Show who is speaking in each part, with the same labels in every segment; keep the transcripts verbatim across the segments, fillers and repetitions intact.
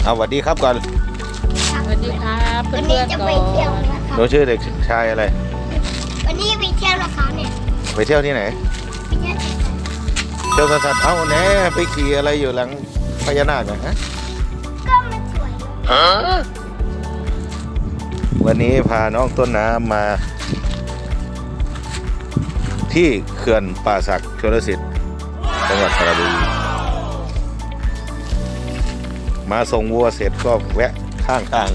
Speaker 1: เอาสวัสดีครับก่อน
Speaker 2: สวัสดีครับเพื่อนๆก่อน
Speaker 1: หนูชื่อเด็กชายอะไร
Speaker 3: วันนี้ไปเที่ยวนะคะเนี่ย
Speaker 1: ไปเที่ยวที่ไหน
Speaker 3: ไปเที่ยว
Speaker 1: เที่ยวสวนสัตว์เอ้าแหน่ไปขี่อะไรอยู่หลังพญานาคนะฮะ
Speaker 3: ก็มันสวยเลย
Speaker 1: วันนี้พาน้องต้นน้ำมา ที่เขื่อนป่าสักชลสิทธิ์จังหวัดสระบุรีมาส่งวัวเสร็จก็แวะข้างทาง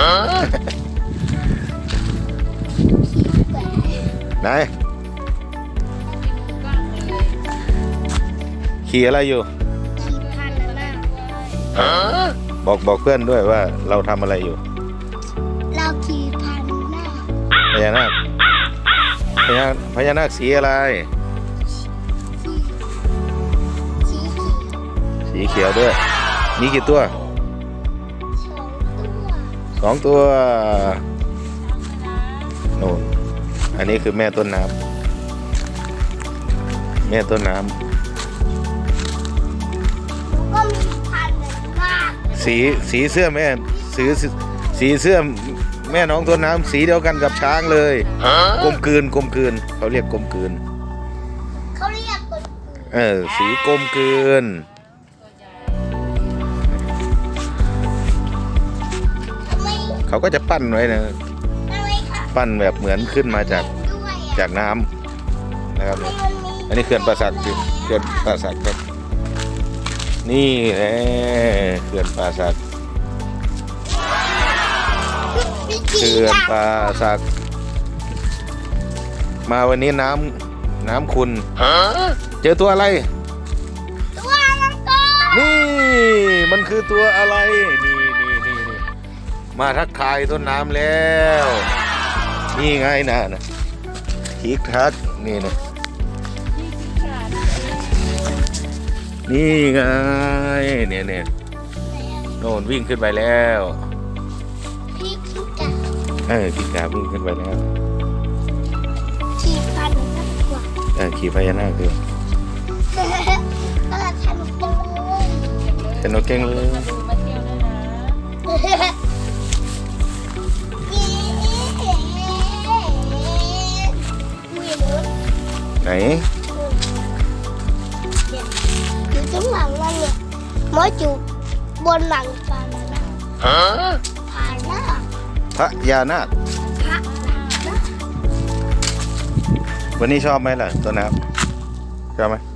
Speaker 1: ไหนขี่อะไรอยู่
Speaker 3: ขี่พันธุ์นะ
Speaker 1: บอกบอกเพื่อนด้วยว่าเราทำอะไรอยู่
Speaker 3: เราขี่พันธุ์หน้า
Speaker 1: พญานาคพญาพญานาคสีอะไร
Speaker 3: สีสีเขียว
Speaker 1: สีเขียวด้วย มีกี่ตัว
Speaker 3: สองตัว
Speaker 1: สองตัวโน่นอันนี้คือแม่ต้นน้ำแม่ต้นน้
Speaker 3: ก็มีพันธุ์มาก
Speaker 1: ำสีสีเสื้อแม่สีสีเสื้อแม่น้องต้นน้ำสีเดียวกันกับช้างเลยกลมกลืนกลมกลืนเขาเรียกกลมกลืน
Speaker 3: เขาเรียกคน
Speaker 1: เออสีกลมกลืน
Speaker 3: ทำไม
Speaker 1: เขาก็จะปั้นไว้นะ
Speaker 3: ทำไมค่ะ
Speaker 1: ปั้นแบบเหมือนขึ้นมาจาก
Speaker 3: ด้วย
Speaker 1: จากน้ำนะครับ
Speaker 3: อ่ะ
Speaker 1: อันนี้เขื่อนป่าสักคือเขื่อนป่าสักครับนี่แหละเขื่อนป่าสัก
Speaker 3: มี
Speaker 1: เขื่อนป่าสักมาวันนี้น้ำน้ำคุณเจอตัวอะไร
Speaker 3: ตัวมังกร
Speaker 1: นี่มันคือตัวอะไรนี่นี่นี่นี่มาทักทายต้นน้ำแล้ว นี่ไงนะนะทิกทักนี่นะนี่ไงเนี่ยเนี่ยโน่นวิ่งขึ้นไปแล้ว
Speaker 3: พี่กิ้งก่า
Speaker 1: เออกิกาวิ่งขึ้นไปแล้ว
Speaker 3: ขี่พันธุ์มากกว่า
Speaker 1: เออขี่พญานาคคือ
Speaker 3: เออทันจังเลย
Speaker 1: เป็นนกเก่งเลย
Speaker 2: มาดูมาเที่ยวด้วยนะ
Speaker 1: ไหน
Speaker 3: อยู่ข้างหลังมันเนี่ยมอจูบนหลังปลาหน้าผาหน้า
Speaker 1: พระยานาค
Speaker 3: พระหน้า
Speaker 1: วันนี้ชอบไหมล่ะต้นน้ำชอบไหม